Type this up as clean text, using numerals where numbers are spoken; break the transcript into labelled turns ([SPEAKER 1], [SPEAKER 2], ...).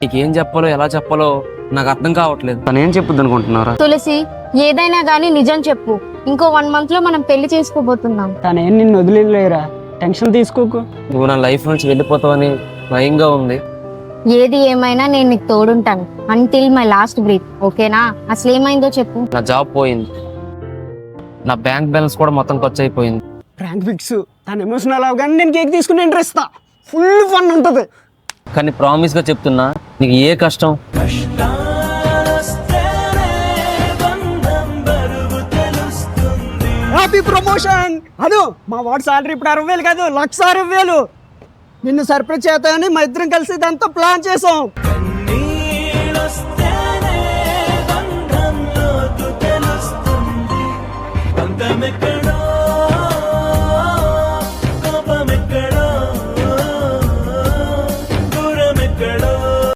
[SPEAKER 1] నీకు ఏం చెప్పాలో ఎలా చెప్పాలో నాకు అర్థం కావట్లేదు. తను ఏం చెప్పుద్ది అనుకుంటున్నారా?
[SPEAKER 2] తులసి, ఏదైనా గానీ నిజం చెప్పు. ఇంకో 1 month లో మనం పెళ్లి చేసుకోబోతున్నాం.
[SPEAKER 3] తనేం నిన్ను వదిలేరా, టెన్షన్ తీసుకోకు.
[SPEAKER 1] నువ్వు నా లైఫ్ నుంచి వెళ్ళిపోతావని భయంగా ఉంది.
[SPEAKER 2] ఏది ఏమైనా నేను నీకు తోడుంటాను అంటిల్ మై లాస్ట్ బ్రీత్. ఓకేనా? అసలు ఏమైందో చెప్పు.
[SPEAKER 1] నా జాబ్ పోయింది, నా బ్యాంక్ బ్యాలెన్స్ కూడా మొత్తం ఖర్చు అయిపోయింది.
[SPEAKER 3] Prank fix. తను ఎమోషనల్ అవగానే నేను కేక్ తీసుకుని ఇంట్రెస్ట్ ఇస్తా. ఫుల్ ఫన్ ఉంటుంది.
[SPEAKER 1] కానీ ప్రామిస్ గా చెప్తున్నా, నీకు ఏ కష్టం
[SPEAKER 3] హ్యాపీ ప్రమోషన్. అదు మా వాడు సాలరీ ఇప్పుడు 60,000 కాదు, 1,60,000. నిన్ను సర్ప్రైజ్ చేస్తాయని మా ఇద్దరం కలిసి ఇదంతా ప్లాన్ చేసాం.
[SPEAKER 4] బంధమెక్కడ